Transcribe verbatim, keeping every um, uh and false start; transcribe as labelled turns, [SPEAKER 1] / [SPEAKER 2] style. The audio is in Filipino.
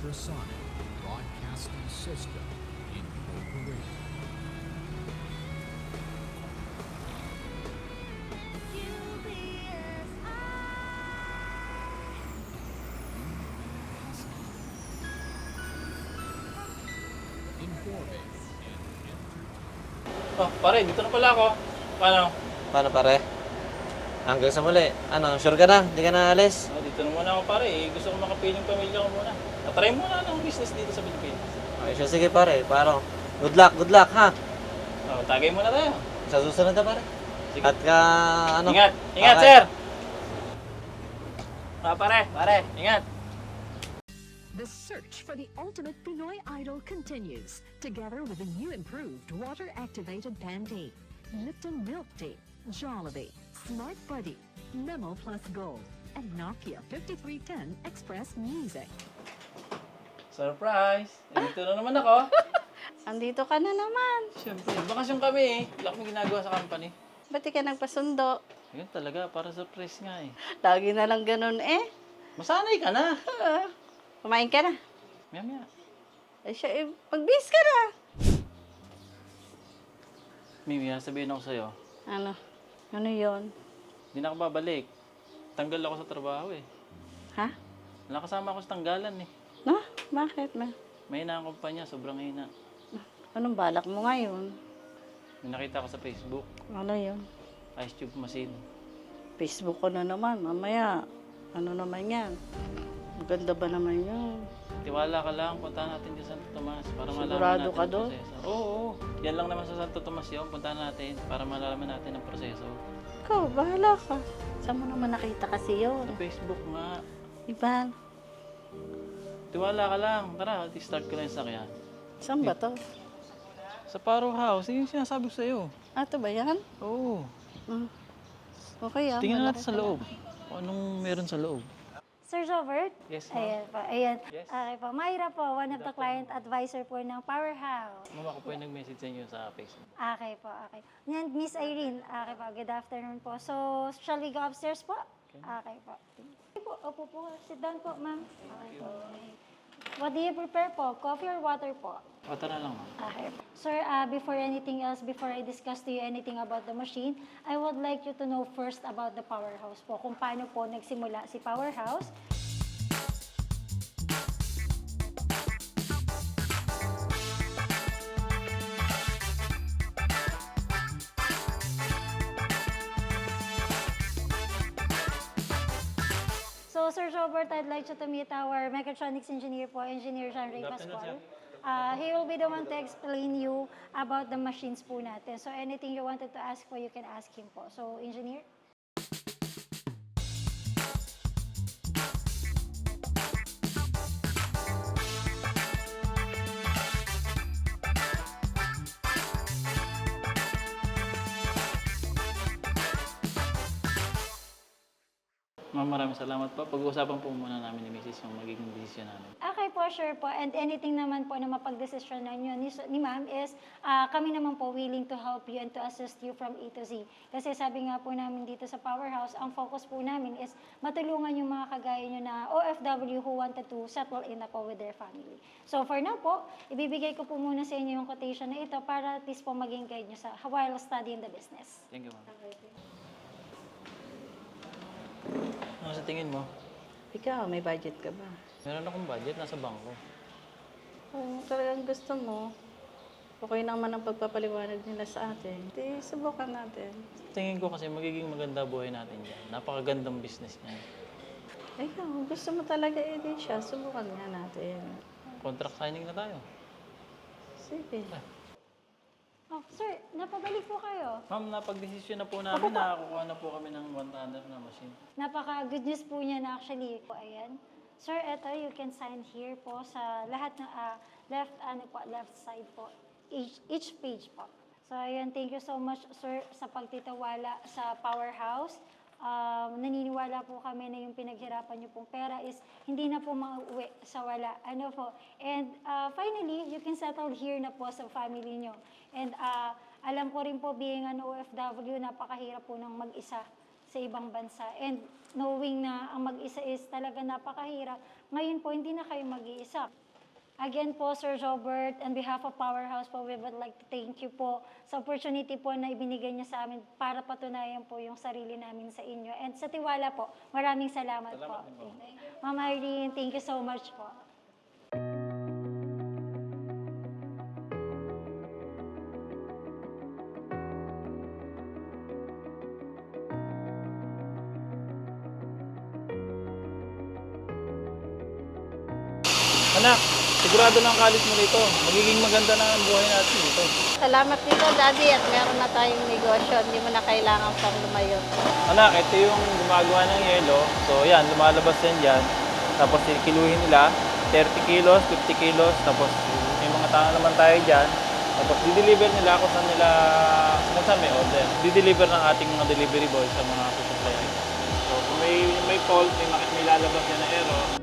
[SPEAKER 1] Ultrasonic Broadcasting System Incorporated. Informing and entertaining.
[SPEAKER 2] Oh, pare, dito na pala ako. Paano?
[SPEAKER 3] Paano pare? Hanggang sa muli. Ano, sure ka na? Hindi ka na alis?
[SPEAKER 2] Oh, dito na muna ako pare. Eh, gusto ko makapiling pamilya ko muna. Natry muna ng business dito sa Pilipinas.
[SPEAKER 3] Okay, sure, sige pare. Paro. Good luck, good luck ha.
[SPEAKER 2] Oh, tagay muna tayo.
[SPEAKER 3] Sa susunod na pare.
[SPEAKER 2] Sige.
[SPEAKER 3] At ka, ano?
[SPEAKER 2] Ingat! Ingat,
[SPEAKER 3] Okay.
[SPEAKER 2] sir! Ah, pare, pare, ingat!
[SPEAKER 4] The search for the ultimate Pinoy idol continues, together with the new improved water-activated Pantene, Lipton Milk Tea, Jollibee, Smart Buddy, Memo Plus Gold, and Nokia fifty-three ten Express Music.
[SPEAKER 2] Surprise! Eh, dito na naman ako.
[SPEAKER 5] Andito ka na naman.
[SPEAKER 2] Siyempre, bakasyon kami eh. Wala kami ginagawa sa company.
[SPEAKER 5] Ba't di ka nagpasundo?
[SPEAKER 2] Ayun talaga, para surprise nga eh.
[SPEAKER 5] Lagi na lang ganun eh.
[SPEAKER 2] Masanay ka na.
[SPEAKER 5] Ah, kumain ka na.
[SPEAKER 2] Maya maya.
[SPEAKER 5] Ay siya, eh, mag-bis ka na.
[SPEAKER 2] Mimi, sabihin ako sa'yo.
[SPEAKER 5] Ano? Ano yon?
[SPEAKER 2] Hindi na ako babalik. Tanggal ako sa trabaho eh.
[SPEAKER 5] Ha?
[SPEAKER 2] Nakasama ako sa tanggalan eh.
[SPEAKER 5] No? Bakit ma?
[SPEAKER 2] Mahina ang kumpanya, sobrang hina.
[SPEAKER 5] Anong balak mo ngayon?
[SPEAKER 2] May nakita ko sa Facebook,
[SPEAKER 5] Ano yon?
[SPEAKER 2] ice tube machine.
[SPEAKER 5] Facebook ko na naman. Mamaya, ano naman yan? Ang ganda ba naman yun?
[SPEAKER 2] Tiwala ka lang, punta natin sa Santo Tomas para malaman
[SPEAKER 5] Sigurado
[SPEAKER 2] natin
[SPEAKER 5] ka
[SPEAKER 2] ang
[SPEAKER 5] doon?
[SPEAKER 2] proseso. Oo, oo. Yan lang naman sa Santo Tomas yun. Punta natin para malaman natin ang proseso.
[SPEAKER 5] Ikaw, bahala ka. Saan mo naman nakita kasi yun?
[SPEAKER 2] Sa Facebook nga.
[SPEAKER 5] Iban,
[SPEAKER 2] Tiwala ka lang. Tara, start ko lang yung sakyan.
[SPEAKER 5] saan ba to?
[SPEAKER 2] Sa Paro House, yun yung sinasabi ko sa'yo.
[SPEAKER 5] Ah, ito ba yan?
[SPEAKER 2] Oo.
[SPEAKER 5] Hmm. Okay ah.
[SPEAKER 2] Tingnan
[SPEAKER 5] malaki
[SPEAKER 2] natin sa
[SPEAKER 5] pala.
[SPEAKER 2] loob. Kung anong meron sa loob.
[SPEAKER 6] Sir Robert?
[SPEAKER 2] Yes, ma'am.
[SPEAKER 6] Ayan po, ayan.
[SPEAKER 2] Yes.
[SPEAKER 6] Okay po. Mayra po, one of the client advisor po ng Powerhouse.
[SPEAKER 2] Mama ko po yung nag-message sa inyo sa Facebook.
[SPEAKER 6] Okay po, okay. Yan, Miss Irene. Okay po, good afternoon po. So, shall we go upstairs po? Okay po. Okay po, opo po. Sit down po, ma'am. Okay po. What do you prepare po? Coffee or water po?
[SPEAKER 2] O, tara lang, ma'am.
[SPEAKER 6] Okay. Sir, uh, before anything else, before I discuss to you anything about the machine, I would like you to know first about the Powerhouse po, kung paano po nagsimula si Powerhouse. So, Sir Robert, I'd like you to meet our mechatronics engineer po, Engineer Jean Ray Pascual. Uh, he will be the one to explain you about the machines po natin. So, anything you wanted to ask po, you can ask him po. So, Engineer?
[SPEAKER 2] Ma'am, maraming salamat po. Pag-uusapan po muna namin ni Missus yung magiging desisyon namin.
[SPEAKER 6] Okay po, sure po. And anything naman po na mapagdesisyon ninyo ni, ni ma'am is ah, kami naman po willing to help you and to assist you from A to Z. Kasi sabi nga po namin dito sa Powerhouse, ang focus po namin is matulungan yung mga kagaya nyo na O F W who wanted to settle in na po with their family. So for now po, ibibigay ko po muna sa inyo yung quotation na ito para at least po maging guide nyo sa while studying the business.
[SPEAKER 2] Thank you, ma'am. Ano sa tingin mo?
[SPEAKER 5] Ikaw, may budget ka ba?
[SPEAKER 2] Meron akong budget, nasa bangko.
[SPEAKER 5] Kung talagang gusto mo, okay naman ang pagpapaliwanag nila sa atin. Di, subukan natin.
[SPEAKER 2] Tingin ko kasi magiging maganda buhay natin dyan. Napakagandang business niya.
[SPEAKER 5] Ikaw, gusto mo talaga eh din siya, subukan nga natin.
[SPEAKER 2] Contract signing na tayo.
[SPEAKER 5] Sige.
[SPEAKER 6] Oh, sir, napabalik po kayo.
[SPEAKER 2] Ma'am, napag-desisyon na po namin, nakakuha na po kami ng one tonner na machine.
[SPEAKER 6] Napaka-good news po niya na actually po, ayan. Sir, eto, you can sign here po sa lahat ng ah, left, ano po, left side po, each, each page po. So, ayan, thank you so much, sir, sa pagtitiwala sa Powerhouse. Um, naniniwala po kami na yung pinaghirapan niyo pong pera is hindi na po mauwi sa wala. Ano po? And uh, finally, you can settle here na po sa family niyo. And uh, alam ko rin po, being an O F W, napakahirap po ng mag-isa sa ibang bansa. And knowing na ang mag-isa is talaga napakahirap, ngayon po hindi na kayo mag-iisa. Again po, Sir Robert, on behalf of Powerhouse po, we would like to thank you po sa opportunity po na ibinigay niya sa amin para patunayan po yung sarili namin sa inyo. And sa tiwala po, maraming salamat,
[SPEAKER 2] Salamat
[SPEAKER 6] po.
[SPEAKER 2] din po.
[SPEAKER 6] Ma'am Irene, thank you so much po.
[SPEAKER 2] Anak, sigurado na ang college mo dito. Magiging maganda na ang buhay natin dito.
[SPEAKER 5] Salamat dito, Daddy, at meron na tayong negosyo. Hindi mo na kailangan pang lumayo.
[SPEAKER 2] Anak, ito yung gumagawa ng yelo. So yan, lumalabas yan dyan. Tapos kiluhin nila, thirty kilos, fifty kilos. Tapos may mga tao naman tayo dyan. Tapos di-deliver nila kung saan nila, kung saan may order. Di-deliver ng ating mga delivery boys sa mga susuplayan. So kung may, may fault, may, makit may lalabas yan na error,